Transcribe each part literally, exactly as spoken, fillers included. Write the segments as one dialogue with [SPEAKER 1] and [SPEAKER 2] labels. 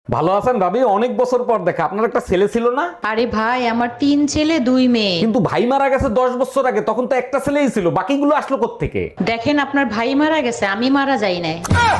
[SPEAKER 1] ভালো আছেন ভাবি? অনেক বছর পর দেখা। আপনার একটা ছেলে ছিল না?
[SPEAKER 2] আরে ভাই, আমার তিন ছেলে দুই মেয়ে।
[SPEAKER 1] কিন্তু ভাই মারা গেছে দশ বছর আগে, তখন তো একটা ছেলেই ছিল, বাকিগুলো আসলো কোত্থেকে?
[SPEAKER 2] দেখেন, আপনার ভাই মারা গেছে, আমি মারা যাই নাই।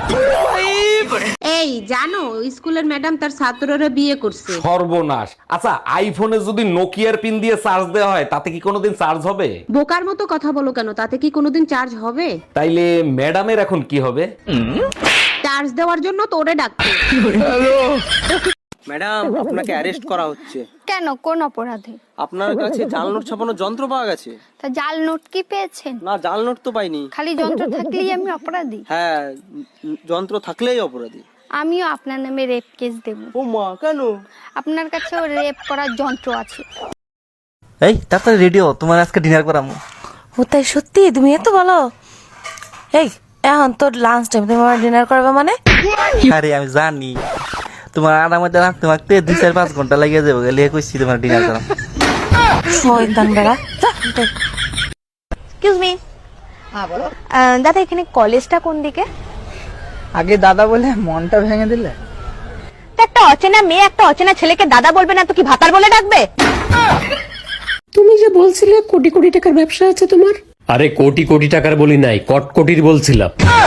[SPEAKER 3] এই জানো, স্কুলের ম্যাডাম তার ছাত্ররা বিয়ে করছে।
[SPEAKER 1] সর্বনাশ। আচ্ছা, আইফোনে যদি নোকিয়ার পিন দিয়ে চার্জ দেওয়া হয়, তাতে কি কোনোদিন চার্জ হবে?
[SPEAKER 3] বোকার মতো কথা বলো কেন? তাতে কি কোনোদিন চার্জ হবে?
[SPEAKER 1] তাইলে ম্যাডামের এখন কি হবে?
[SPEAKER 3] চার্জ দেওয়ার জন্য তোরে ডাকছে।
[SPEAKER 4] ম্যাডাম, আপনাকে অ্যারেস্ট করা হচ্ছে।
[SPEAKER 5] কেন, কোন অপরাধে?
[SPEAKER 4] আপনার কাছে জাল নোট ছাপানোর যন্ত্র পাওয়া গেছে।
[SPEAKER 5] তা জাল নোট কি পেয়েছেন?
[SPEAKER 4] না, জাল নোট তো পাইনি।
[SPEAKER 5] খালি যন্ত্র থাকলেই আমি অপরাধী?
[SPEAKER 4] হ্যাঁ, উম, যন্ত্র থাকলেই অপরাধী।
[SPEAKER 5] আমিও আপনার নামে রেপ কেস দেব।
[SPEAKER 4] ও মা, কেন?
[SPEAKER 5] আপনার কাছেও রেপ করার যন্ত্র আছে।
[SPEAKER 6] এই তাড়াতাড়ি রেডিও, তোমার আজকে ডিনার করামু।
[SPEAKER 7] ও তাই সত্যি? তুমি এত ভালো। এই এখন তোর লাঞ্চ টাইম, তুমি আমার ডিনার করবে মানে?
[SPEAKER 6] আরে আমি জানি তোমার আড়ার মধ্যে রাখতে রাখতে দুই চার পাঁচ ঘন্টা লাগিয়ে যাবো, গেলে কইছি তোমার ডিনার করাম।
[SPEAKER 7] শয়তান বেড়া।
[SPEAKER 8] Excuse me. হ্যাঁ বলো। দাদা, এখানে কলেজটা কোন দিকে?
[SPEAKER 9] আগে দাদা বলে মনটা ভেঙে দিলে।
[SPEAKER 8] তো একটা অচেনা মেয়ে একটা অচেনা ছেলেকে দাদা বলবে না তো কি ভাতার বলে ডাকবে?
[SPEAKER 10] তুমি যে বলছিলে কোটি কোটি টাকার ব্যবসা আছে তোমার।
[SPEAKER 11] আরে কোটি কোটি টাকার বলি নাই, কটকটির বলছিলাম।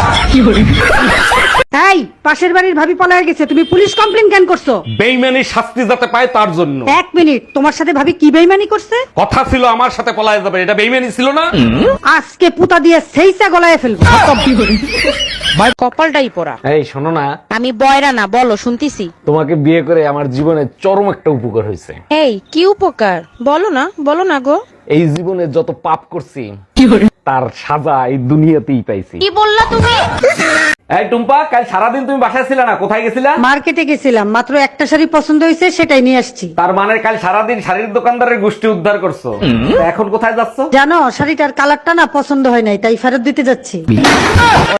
[SPEAKER 10] তাই পাশের বাড়ির ভাবি পলায় গেছে, তুমি পুলিশ কমপ্লেন কেন করছো?
[SPEAKER 1] বেইমানির শাস্তি যাতে পায় তার জন্য।
[SPEAKER 10] এক মিনিট, তোমার সাথে ভাবি কি বেইমানি করছে?
[SPEAKER 1] কথা ছিল আমার সাথে পলায় যাবে, এটা বেইমানি ছিল না?
[SPEAKER 10] আজকে পুতা দিয়ে সেইটা গলায় ফেলবো।
[SPEAKER 7] কপালটাই পড়া।
[SPEAKER 1] এই শোনো না,
[SPEAKER 7] আমি বয়রা না, বলো শুনতিছি।
[SPEAKER 1] তোমাকে বিয়ে করে আমার জীবনে চরম একটা উপকার হয়েছে।
[SPEAKER 7] এই কি উপকার? বলো না, বলো না গো।
[SPEAKER 1] এই জীবনে যত পাপ করছি তার সাজা এই দুনিয়াতেই পাইছি।
[SPEAKER 3] কি বললা তুমি?
[SPEAKER 1] এই টুম্পা, কাল সারাদিন তুমি বাসায় ছিলে না, কোথায় গেছিলা?
[SPEAKER 10] মার্কেটে গেছিলাম, মাত্র একটা শাড়ি পছন্দ হয়েছে, সেটাই নিয়ে আসছি।
[SPEAKER 1] তার মানে কাল সারাদিন শাড়ির দোকানদারের গোষ্ঠী উদ্ধার করছো। তা এখন কোথায় যাচ্ছ?
[SPEAKER 10] জানো, শাড়িটার কালারটা না পছন্দ হয় নাই, তাই ফেরত দিতে যাচ্ছি।